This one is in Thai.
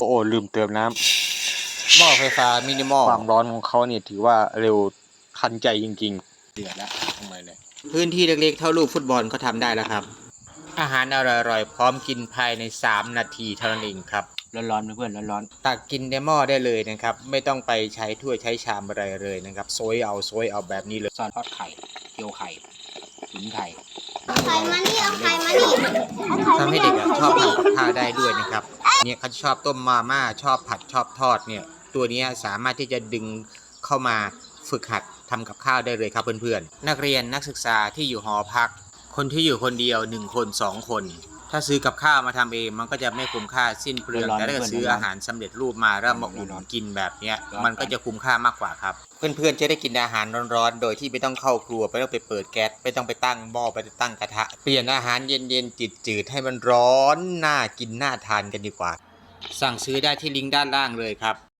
โอ้ลืมเติมน้หม้อไฟฟ้ามินิมอลความร้อนของเขาเนี่ยถือว่าเร็วทันใจจริงๆเดือดแล้วทำไมเลยพื้นที่เล็กๆเท่าลูกฟุตบอลก็ทำได้แล้วครับอาหารอร่อยๆพร้อมกินภายใน3 นาทีเท่านั้นเองครับร้อนๆเพื่อนร้อนตักกินในหม้อได้เลยนะครับไม่ต้องไปใช้ถ้วยใช้ชามอะไรเลยนะครับโซยเอาแบบนี้เลยๆซอสทอดไข่เจียวไข่ตุ๋นไข่เอาไข่มานี่เอาไข่มานี่ทำให้เด็กชอบทำกับข้าวได้ด้วยนะครับเนี่ยเขาชอบต้มมาม่าชอบผัดชอบทอดเนี่ยตัวนี้สามารถที่จะดึงเข้ามาฝึกหัดทำกับข้าวได้เลยครับเพื่อนๆนักเรียนนักศึกษาที่อยู่หอพักคนที่อยู่คนเดียว1 คน2 คนถ้าซื้อกับข้าวมาทำเองมันก็จะไม่คุ้มค่าสิ้นเปลืองแต่ถ้าซื้ออาหารสำเร็จรูปมาแล้วมาอุ่นกินแบบเนี้ยมันก็จะคุ้มค่ามากกว่าครับเพื่อนๆจะได้กินอาหารร้อนๆโดยที่ไม่ต้องเข้าครัวไม่ต้องไปเปิดแก๊สไม่ต้องไปตั้งหม้อไปตั้งกระทะเปลี่ยนอาหารเย็นๆจืดๆให้มันร้อนน่ากินน่าทานกันดีกว่าสั่งซื้อได้ที่ลิงก์ด้านล่างเลยครับ